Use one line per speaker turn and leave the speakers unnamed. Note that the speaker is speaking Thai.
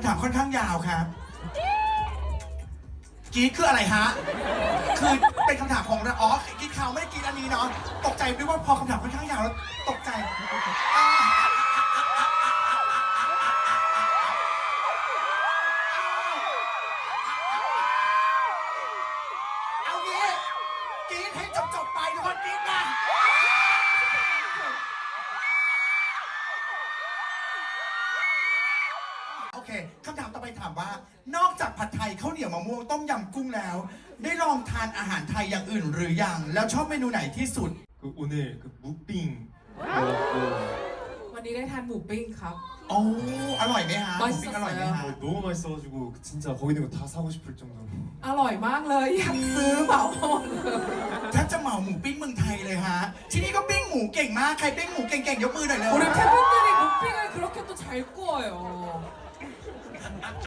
ำถามค่อนข้างยาวครับกรีดคืออะไรฮะคือเป็นคำถามของเราอ๋อกรีดเขาไม่ได้กรีดอันนี้เนาะตกใจด้วยว่าพอคำถามค่อนข้างยาวแล้วตกใจเอางี้กรีดให้จบไปทุกคนกรีดนะโอเคคำถามต่อไปถามว่านอกจากผัดไทยข้าวเหนียวมะม่วงต้มยำกุ้งแล้ว ได้ลองทานอาหารไทยอย่างอื่นหรือยังแล้วชอบเมนูไหนที่สุด
오늘 무빙
วันนี้ได้ทานหมูปิ้งครับ
โอ้อร่อยไหมฮะหมูปิ้ง
맛있었어요
อร่อยไหมฮะ
너무 맛있어가지고 진짜 거기 있는 거 다 사고 싶을 정도로
อร่อยมากเลยอยากซื้อเหมาหมดเลย
ถ้าจะเหมาหมูปิ้งเมืองไทยเลยฮะที่นี่ก็ปิ้งหมูเก่งมากใครปิ้งหมูเก่งๆยกมือหน่อยเลย
우리 팬분들이 무빙을 그렇게 또 잘 구워요